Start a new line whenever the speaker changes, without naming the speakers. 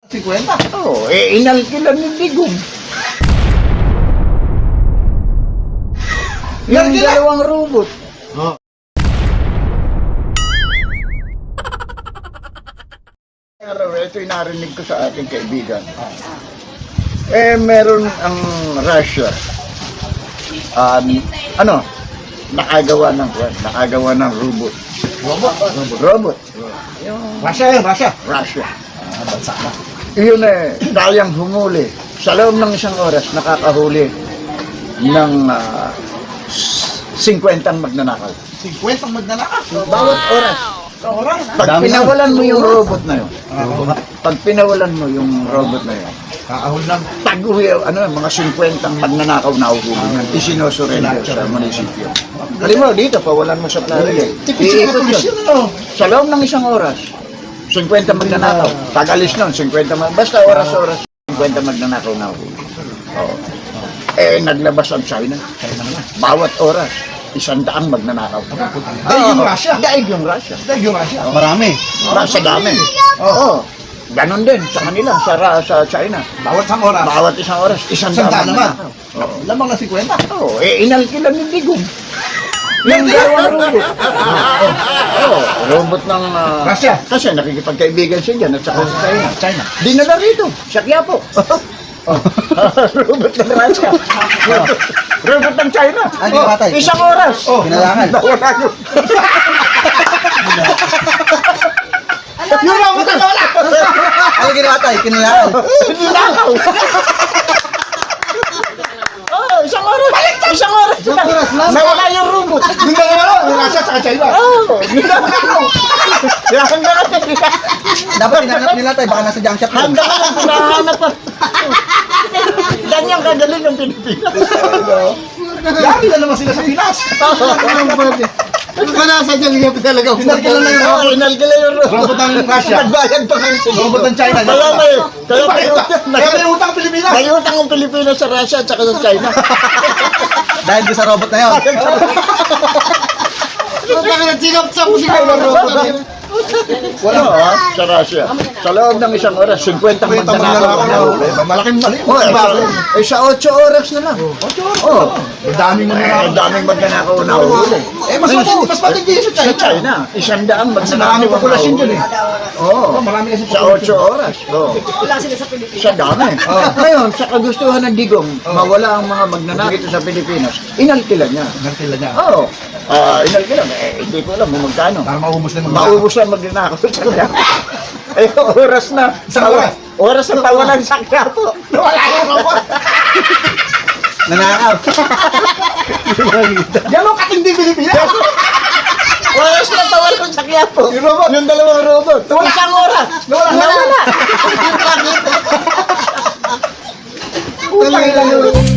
50?
Oo, inalkilan ni Digong. Yung
Inalkila?
dalawang robot.
Oh.
Araw, ito yung narinig ko sa ating kaibigan. Meron ang Russia. Nakagawa ng robot. Robot. Yung
Russia yun, Russia.
Russia.
Bansa na.
Yun kayang humuli. Sa loob ng isang oras, nakakahuli ng 50 magnanakaw.
50 ang magnanakaw.
Bawat oras.
Sa oras.
Pag pinawalan mo yung robot na yun,
Kakahul lang.
tag-uwi, mga 50 magnanakaw na uhuli yan. Isinosurrender sa munisipyo. Halimbawa, dito, pawalan mo sa plano yan. Iikot yun. Sa loob ng isang oras, 50 magnanakaw. Tagalis nun, 50 basta oras-oras, 50 magnanakaw na uhuli. Oo. Naglabas ang China. Bawat oras, 100 magnanakaw.
Daig yung Russia.
Daig yung Russia.
Daig yung Russia. Marami.
Sa dami. Oo. Ganon din sa kanila, sa China.
Bawat isang oras.
Bawat isang oras, 100
Sandaan naman.
Oo.
Lamang na 50.
Oo, inalkilan ni Digong. Yung dalawang robot. Oo, robot ng
Russia.
Kasi nakikipagkaibigan siya dyan at saka sa China.
China.
Dinala rito, sa Quiapo. Robot ng Russia. Robot ng China.
Ay, pinatay.
Isang oras.
Kinalangan.
Nawala yun.
Yung robot na wala.
Ano ginawa tayo? Kinilaan.
Ninakaw. Isang oras. Isang oras.
Isang oras lang.
Nawala yung robot.
Yung dalawa, yung Russia sa China.
Ninakaw. Hanggang
Dapat hinanap nila tayo. Baka nasa junk shop. yun.
hanggang pinahanap pa. Ganyan kagaling ng Pilipinas.
Lagi na naman sila sa Pinas.
Ba nasa dyan yung talaga?
Inalkilan na yung robot.
Inalkilan yung robot.
Robot ng Russia.
Nagbayad pa kayo sa
Robot ng China.
Kaya
Kaya may utang Pilipinas.
may utang ang Pilipinas sa Russia at saka sa China.
Dahil doon sa robot na yun.
Wala sa Russia. Sa loob ng isang oras, 50 magnanakaw na huli.
Malaking mali.
Sa 8 oras na lang. 8 oras? Oo.
Daming
Ang daming magnanakaw na huli.
Mas matindi sa
Sa
China.
China, 100
Kasi
magnanakaw
maraming populasyon dyan eh.
Oo.
Marami kasi
Sa 8 oras. Oo. Sa dami. Ngayon, sa kagustuhan ng Digong, mawala ang mga magnanakaw dito sa Pilipinas, inalkilan niya.
Nagtila niya.
Oo. Inalkilan. Hindi ko alam kung magkano.
Para maubos na yung mga.
Maubos ang magnanakaw sa kanya. Oras na.
Isang oras.
Oras na tawanan sa Quiapo.
Wala yung robot.
Nanakaw.
Ganun katindi Pilipinas.
Oras na tawanan sa Quiapo.
Yung robot.
Yung dalawang robot. Isang oras.
Nawala.
Nawala.
Utang ilan yung robot.